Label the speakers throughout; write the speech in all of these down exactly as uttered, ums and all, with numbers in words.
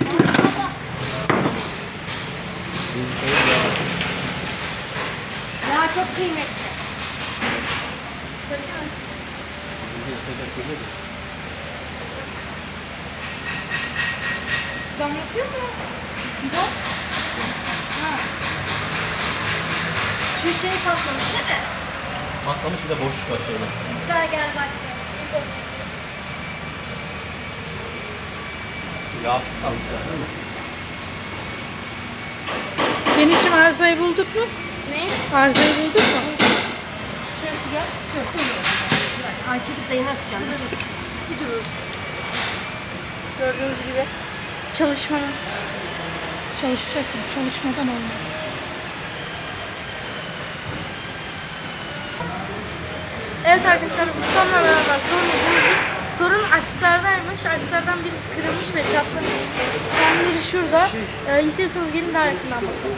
Speaker 1: Ya çok kıymetli. Dam yapıyor mu? Yok. Ha. Şu şey patlamış değil mi?
Speaker 2: Patlamış, bir de boşluk var şöyle.
Speaker 1: Güzel gel bak.
Speaker 2: Yağsız kalmış zaten.
Speaker 3: Genişim arızayı bulduk mu?
Speaker 1: Ne?
Speaker 3: Arızayı bulduk mu?
Speaker 1: Şurası gel. Ay çekip dayını atacağım. Bir durun. Gördüğünüz gibi çalışmanın.
Speaker 3: Çalışacaksın. Çalışmadan olmaz.
Speaker 1: Evet arkadaşlar, ustamla beraber sorun sorun akslardaymış. Akslardan birisi kırılmış ve çatlamış. Tam biri şurada. Ee, istiyorsanız gelin daha yakından bakalım.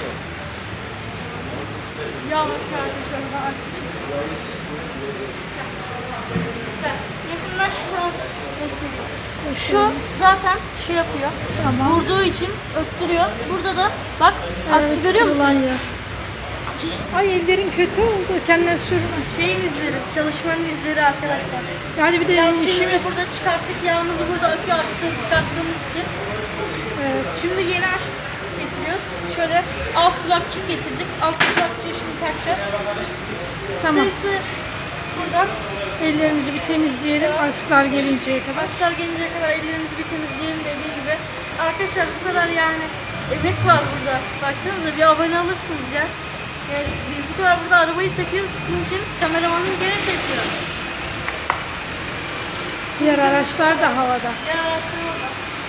Speaker 1: Ya bak arkadaşlar, daha aks. Yakınlaşsa göstereyim. Şu zaten şey yapıyor.
Speaker 3: Tamam.
Speaker 1: Vurduğu için öptürüyor. Burada da bak, aksi görüyor musun?
Speaker 3: kırılan yer. Ay ellerin kötü oldu. Kendine sürme.
Speaker 1: Şeyin izleri, çalışmanın izleri arkadaşlar.
Speaker 3: Yani bir de
Speaker 1: Lastiğimizi
Speaker 3: işimiz.
Speaker 1: burada çıkarttık, yağımızı burada öpüyor, aksını çıkarttığımız için.
Speaker 3: Evet.
Speaker 1: Şimdi yeni aks getiriyoruz. Şöyle alt kulakçık getirdik. Alt kulakçığı şimdi takacağız.
Speaker 3: Tamam.
Speaker 1: Sayısı burada.
Speaker 3: Ellerimizi bir temizleyelim. Akslar gelinceye kadar.
Speaker 1: Akslar gelinceye kadar ellerimizi bir temizleyelim dediği gibi. Arkadaşlar bu kadar yani emek var burada. Baksanıza, bir abone alırsınız ya. Yani biz bu kadar burada arabayı sekiyoruz sizin için. Kameramanım gene çekiyor.
Speaker 3: Diğer araçlar da havada.
Speaker 1: Diğer araçlar orada.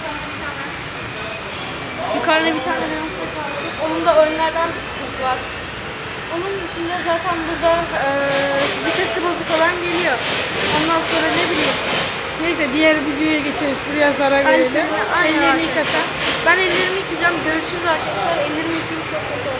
Speaker 1: Yukarıda bir tane reyon var. Onun da önlerden bir sıkıntı var. Onun dışında zaten burada e, vitesi bozuk olan geliyor. Ondan sonra ne bileyim.
Speaker 3: Neyse diğer videoya geçeriz. Buraya zarar verelim.
Speaker 1: Aynen.
Speaker 3: Ellerini yıkata.
Speaker 1: Ben ellerimi yıkayacağım. Görüşürüz arkadaşlar. Ellerimi yıkayayım, çok kötü